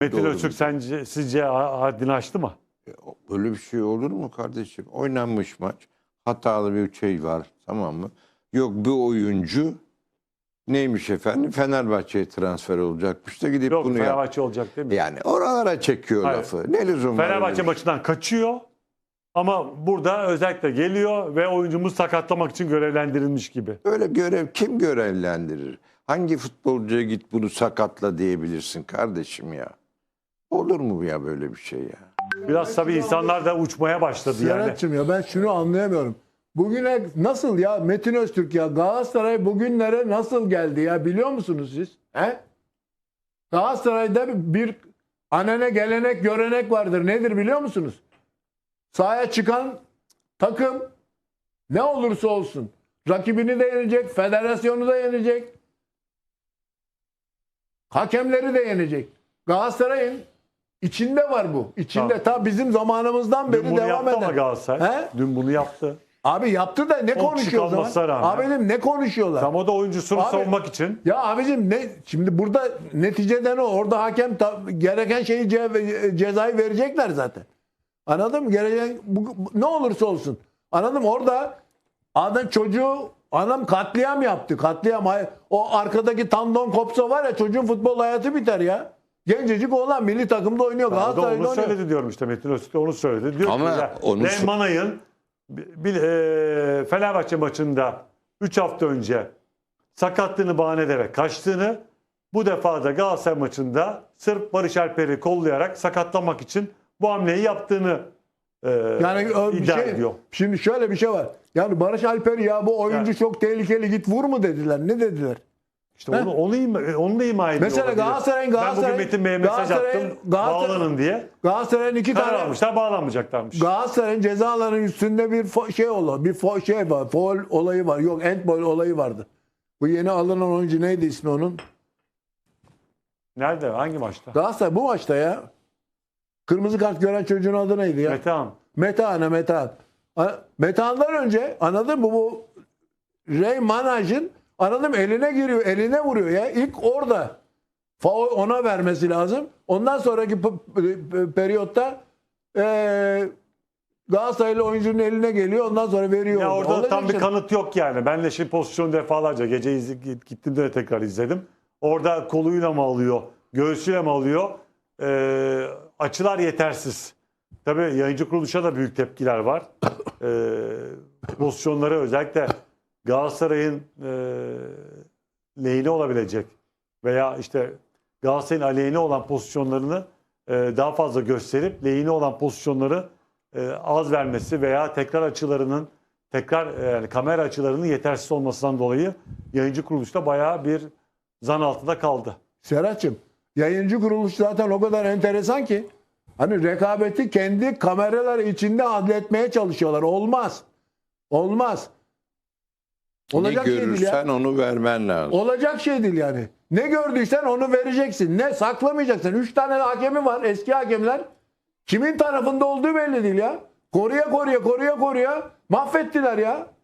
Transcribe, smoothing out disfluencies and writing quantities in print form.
Metin Doğru Öztürk bir- sizce haddini aştı mı? Böyle bir şey olur mu kardeşim? Oynanmış maç. Hatalı bir şey var, tamam mı? Yok, bu oyuncu neymiş efendim? Fenerbahçe'ye transfer olacakmış da gidip Yok, bunu yap. Fenerbahçe olacak değil mi? Yani oralara çekiyor Hayır. lafı. Ne lüzum var öyle Fenerbahçe bir şey? maçından kaçıyor ama burada özellikle geliyor ve oyuncumuz sakatlamak için görevlendirilmiş gibi. Öyle görev kim görevlendirir? Hangi futbolcuya git bunu sakatla diyebilirsin kardeşim ya? Olur mu ya böyle bir şey ya? Biraz tabii insanlar da uçmaya başladı yani. Serhat'cığım ya ben şunu anlayamıyorum. Bugüne nasıl ya Metin Öztürk ya Galatasaray bugünlere nasıl geldi ya biliyor musunuz siz? He? Galatasaray'da bir anene gelenek görenek vardır. Nedir biliyor musunuz? Sahaya çıkan takım ne olursa olsun rakibini de yenecek, federasyonu da yenecek. Hakemleri de yenecek. Galatasaray'ın içinde var bu. İçinde ta bizim zamanımızdan beri Dün bunu devam yaptı ama eden. Galatasaray. He? Dün bunu yaptı. Abi yaptı da ne 10 kişi konuşuyor o kalmasına zaman? rağmen. Abicim ne konuşuyorlar? Tam o da oyuncusunu Abi- savunmak için. Ya abicim ne şimdi burada neticeden o orada hakem gereken şeyi cezayı verecekler zaten. Anladın mı? Gereken ne olursa olsun. Anladım orada adam adam katliam yaptı. Katliam. O arkadaki tandon kopsa var ya çocuğun futbol hayatı biter ya. Gencecik oğlan milli takımda oynuyor. O da Galatasaray'da onu oynuyor. söyledi diyorum işte Metin Öztürk de onu söyledi. Diyor Ama ki ya, onu Manay'ın Fenerbahçe maçında 3 hafta önce sakatlığını bahane ederek kaçtığını, bu defa da Galatasaray maçında sırf Barış Alper'i kollayarak sakatlamak için bu hamleyi yaptığını Yani bir iddia şey, ediyor. şimdi şöyle bir şey var. Yani Barış Alper ya bu oyuncu Yani- çok tehlikeli git vur mu dediler. Ne dediler? İşte onu da ima ediyor. Mesela olabilir. Galatasayr'ın- Ben bugün Metin Bey'e mesaj attım. Bağlanın diye. Galatasaray'ın iki Karar tane almışlar, bağlanmayacaklarmış. Galatasaray'ın cezalarının üstünde bir şey oldu. Şey var. Foul olayı var. Yok, handball olayı vardı. Bu yeni alınan oyuncu neydi ismi onun? Nerede? Hangi maçta? Galatasaray bu maçta ya. Kırmızı kart gören çocuğun adı neydi ya? Metehan. Metehan. Metehan'dan önce anladın mı bu Ray Manaj'ın anladım eline giriyor, eline vuruyor ya. İlk orada faul ona vermesi lazım. Ondan sonraki periyotta Galatasaraylı oyuncunun eline geliyor. Ondan sonra veriyor. Ya orada Olacak tam bir şey. kanıt yok yani. Ben de şimdi pozisyonu defalarca gece gittim de tekrar izledim. Orada koluyla mı alıyor, göğsüyle mi alıyor? Açılar yetersiz. Tabii yayıncı kuruluşa da büyük tepkiler var. Pozisyonları özellikle Galatasaray'ın lehine olabilecek veya işte Galatasaray'ın aleyhine olan pozisyonlarını daha fazla gösterip lehine olan pozisyonları az vermesi veya yani kamera açılarının yetersiz olmasından dolayı yayıncı kuruluşta bayağı bir zan altında kaldı. Serhat'cığım yayıncı kuruluş zaten o kadar enteresan ki hani rekabeti kendi kameraları içinde adletmeye çalışıyorlar. Olmaz. Olmaz. Ne Olacak şey değil ya. görürsen onu vermen lazım. Olacak şey değil yani. Ne gördüysen onu vereceksin. Ne saklamayacaksın. 3 tane hakemi var. Eski hakemler. Kimin tarafında olduğu belli değil ya. Koruya mahvettiler ya.